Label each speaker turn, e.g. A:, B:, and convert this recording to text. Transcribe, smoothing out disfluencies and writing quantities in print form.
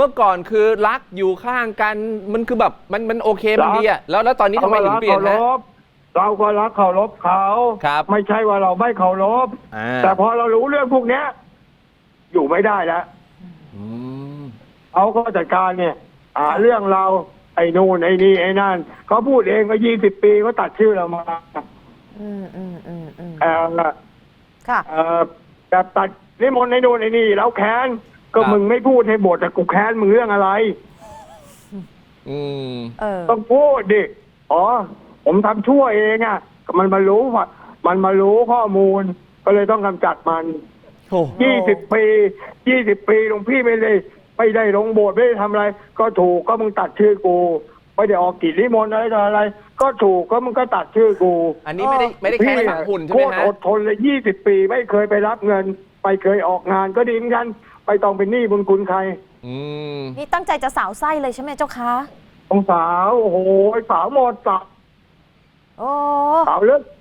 A: มื่อก่อนคือรักอยู่ข้างกันมันคือแบบมันโอเคมันดีอะแล้วตอนนี้ทำไมถึงเปลี่ยนฮะ
B: เราก็รักเคารพเขาไม่ใช่ว่าเราไม่เคารพแต่พอเรารู้เรื่องพวกเนี้ยอยู่ไม่ได้แล้วเขาก็จัดการเนี่ยเรื่องเราไอ้นู่นไอ้นี่ไอ้นั่นเขาพูดเองก็20 ปีเขาตัดชื่อเรามา
C: ค่ะ
B: แบบตัดนิมนต์ไอ้นู่นไอ้นี่แล้วแค้นก็มึงไม่พูดให้บทแต่กูแค้นมึงเรื่องอะไรต้องพูดดิผมทำชั่วเองอ่ะมันมารู้ข้อมูลก็เลยต้องกำจัดมัน20 ปีหลวงพี่ไม่ได้ลงโบสถ์ไม่ได้ทำอะไรก็ถูกก็มึงตัดชื่อกูไม่ได้ออกกิจนิมนต์อะไรก็ถูกก็มึงก็ตัดชื่อกู
A: อันนี้ไม่ได้แค่ฝังหุ่นใช่ไหมฮะ
B: อดทนเลย20 ปีไม่เคยไปรับเงินไม่เคยออกงานก็ดีเหมือนกันไปต้องเป็นหนี้บุญคุณใคร
C: นี่ตั้งใจจะสาวไส้เลยใช่ไหมเจ้าคะ
B: สาวโอ้โหสาวหมดสาวเลิก